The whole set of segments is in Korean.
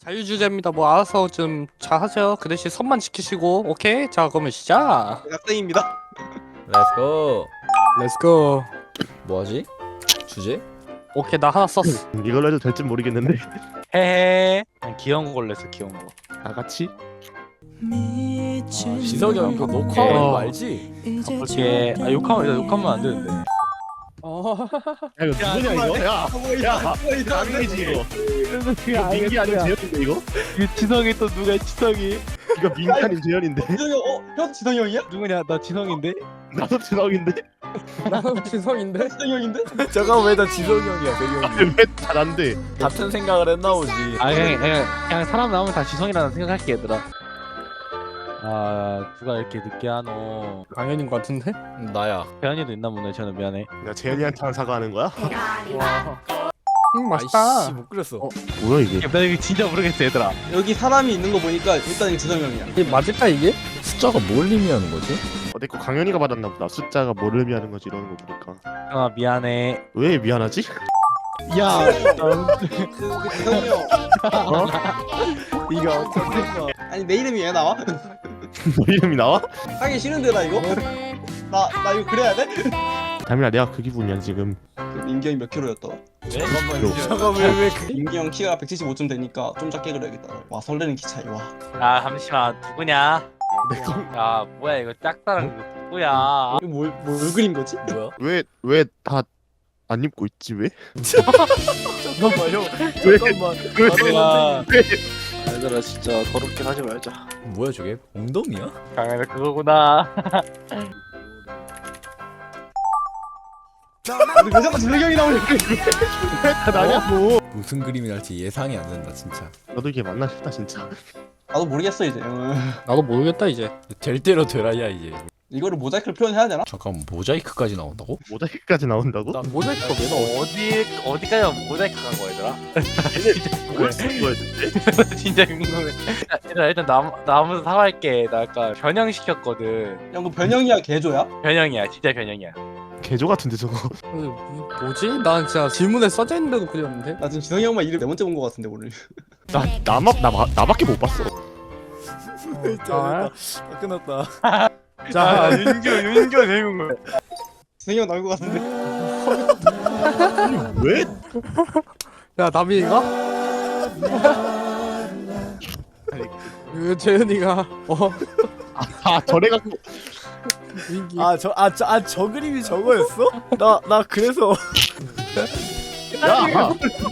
자유주제입니다. 뭐 알아서 좀 잘하세요. 그 대신 선만 지키시고. 오케이? 자 그러면 시작. 학생입니다. 렛츠고. 렛츠고. 뭐하지? 주제? 오케이 나 하나 썼어. 이걸로 해도 될지 모르겠는데. 헤헤. 그냥 귀여운 걸로 했어. 귀여운 거. 다 같이? 지석이 형 그거 녹화하는 거 알지? 오케이. 아 욕하면 안 되는데. 야 이거 누구냐 이거? 야 강민이지 이거. 이거 민기 아니면 재현인데 이거? 그 지성이 또 누가 지성이? 이거 민기 아니면 재현인데? 지성이 형 지성이 형이야? 누구냐? 나 지성인데? 나도 지성인데? 나는 진성인데. 지성이 형인데? 잠깐 왜 나 지석이 형이야 배경이 왜잘안 돼? 같은 생각을 했나 보지. 아 그냥 사람 나오면 다 지성이라는 생각할게 얘들아. 아 누가 이렇게 늦게 하노? 강현인 것 같은데? 나야. 대현이도 있나 보네. 저는 미안해. 야 재현이한테 사과하는 거야? 맛있다. 아이씨 못 그렸어. 뭐야 이게? 나 이거 진짜 모르겠어 얘들아. 여기 사람이 있는 거 보니까 일단 지성이 형이야. 이게 맞을까 이게? 숫자가 뭘 의미하는 거지? 내 거 강현이가 받았나 보다. 숫자가 뭘 의미하는 거지 이러는 거 보니까. 아 미안해. 왜 미안하지? 야 그 지성이 형. 어? 이거 어떻게 됐어? 아니 내 이름이 왜 나와? 너 이름이 나와? 하기 싫은데 나 이거? 나 이거 그래야 돼? 담이야 내가 그 기분이야 지금. 그 민기 형이 몇 킬로였더라? 잠깐 왜 그... 민기 형 키가 175쯤 되니까 좀 작게 그려야겠다. 와 설레는 키 차이 와. 아 잠시만 누구냐? 내 거. 야 뭐야 이거 짝사랑 누구야? 이거 뭘 그린 거지? 뭐야? 왜 다 안 입고 있지 왜? 잠깐만 형. 왜? 잠깐만. 왜? 아, 얘들아 진짜 더럽게 하지 말자. 뭐야 저게? 엉덩이야? 강현아 그거구나. 근데 왜 자꾸 지성이 형이 나오냐? 나냐고. 무슨 그림이 날지 예상이 안 된다 진짜. 나도 이게 맞나 싶다 진짜. 나도 모르겠어 이제. 나도 모르겠다 이제. 될 대로 되라야 이제. 이거를 모자이크로 표현해야 되나? 잠깐 모자이크까지 나온다고? 모자이크까지 나온다고? 모자이크가 왜 나와? 어디까지 모자이크 간 거야 얘들아? 뭘 쓰는 거야 대체? 진짜 궁금해. 일단 나 아무도 사과할게. 나 아까 변형시켰거든. 형 그 변형이야 개조야? 변형이야, 진짜 변형이야. 개조 같은데 저거. 뭐지? 난 진짜 질문에 써져 있는데도 그렸는데. 나 지금 지성이 형만 이름 네 번째 본 거 같은데 오늘. 나밖에 못 봤어. 아, 끝났다. 자, 윤규 재밌는 거야. 지성이 형 나올 거 같은데. 왜? 야 남이가? 재현이가 저래 갖고. 민기. 저 그림이 저거였어? 나 그래서 야.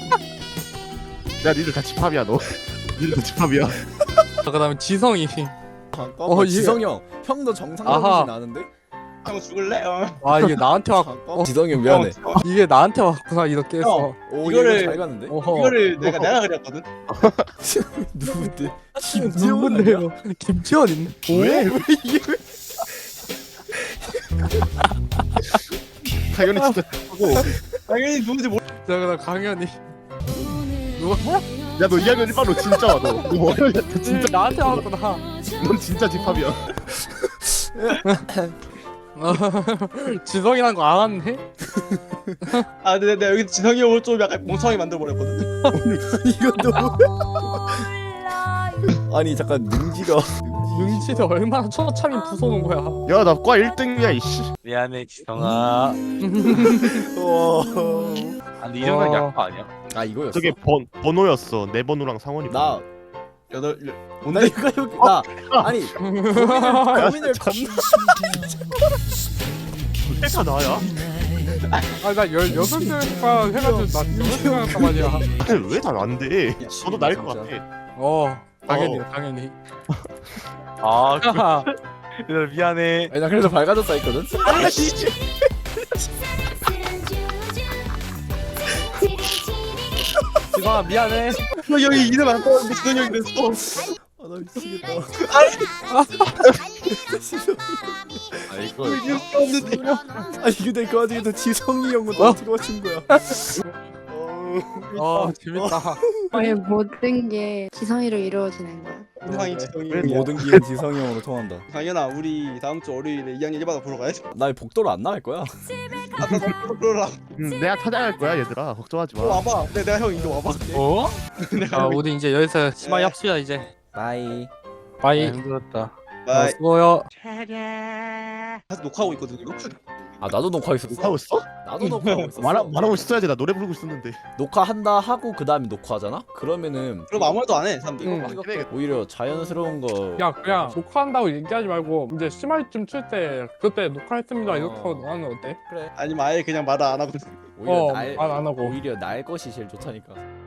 야 니들 다 집합이야 너. 니들 다 집합이야. 그다음에 지성이. 잠깐만 이게- 지성이 형 형도 정상적이진 아하. 않은데? 형 죽을래? 아 이게 나한테 왔. 잠깐만 지성이 형 미안해. 이게 나한테 왔구나 이렇게 해서. 오 이거를- 이거 잘 갔는데? 어허. 이거를 내가 그렸거든. 누군데? 누군데요? 김지원 있네. 왜? 당연히 진짜 하고. 당연히 누군지 모르. 자 그다음 강현이. 누가? 야너 2학년 1반로 진짜 와 너. 너 어려야 진짜. 나한테 왔구나. 넌 진짜 집합이야. 지성이란 거 알았네? 아 근데 내가 여기 지성이 형을 좀 약간 멍청하게 만들어 버렸거든. 이거 너무 아니 잠깐 능지가 능지를 얼마나 처참히 부숴놓은 거야. 야 나 과 1등이야 이씨. 미안해, 지성아. 와. 아, 근데 이 정도는 와. 약파 아니야? 아 이거였어? 저게 번호였어. 내 번호랑 상원이. 나 여덟 나 이거 여기 나 아니 고민을 겁나 내가 나야? 아나 16시간 해가지고 나 16시간 했단 말이야. 왜 다 안 돼? 저도 나일 것 같아. 당연히 당연히. 아, 얘들아 미안해. 아니 나 그래서 밝아졌다 했거든? 지성아 미안해. 지성이 형이 이름 안 떠왔는데 지성이 형이 그랬어. 아나 미치겠다 아, 이거 이름 없는데. 아니 근데 그 와중에 또 지성이 형은 또 어떻게 맞춘 거야 재밌다. 왜 모든 게 지성이로 이루어지는 거야? 세상이 지성이. 모든 기회 지성이 형으로 통한다. 당연아 우리 다음 주 월요일에 2학년 1반을 보러 가야지. 나 복도로 안 나갈 거야. 아까 너 불러라. 내가 찾아갈 거야 얘들아. 걱정하지 마. 와봐. 내가 형 이거 와봐. 어? 자, 우리 이제 여기서 심하게 합시다 이제. 바이. 바이. 힘들었다. 바이. 수고요. 사실 녹화하고 있거든 이거. 아 나도 녹화했었어. 하고 있어? 나도 녹화하고 있었어. 말하고 있어야지. 나 노래 부르고 있었는데. 녹화한다 하고 그 다음에 녹화하잖아? 그러면은 그럼 아무 말도 안 해 사람들. 응. 오히려 자연스러운 거. 야 그냥 녹화한다고 얘기하지 말고 이제 심할쯤 칠 때 그때 녹화했습니다 이렇게 하고 나는 어때? 그래. 아니면 아예 그냥 말을 안 하고. 오히려 말 안 하고 오히려 날 것이 제일 좋다니까.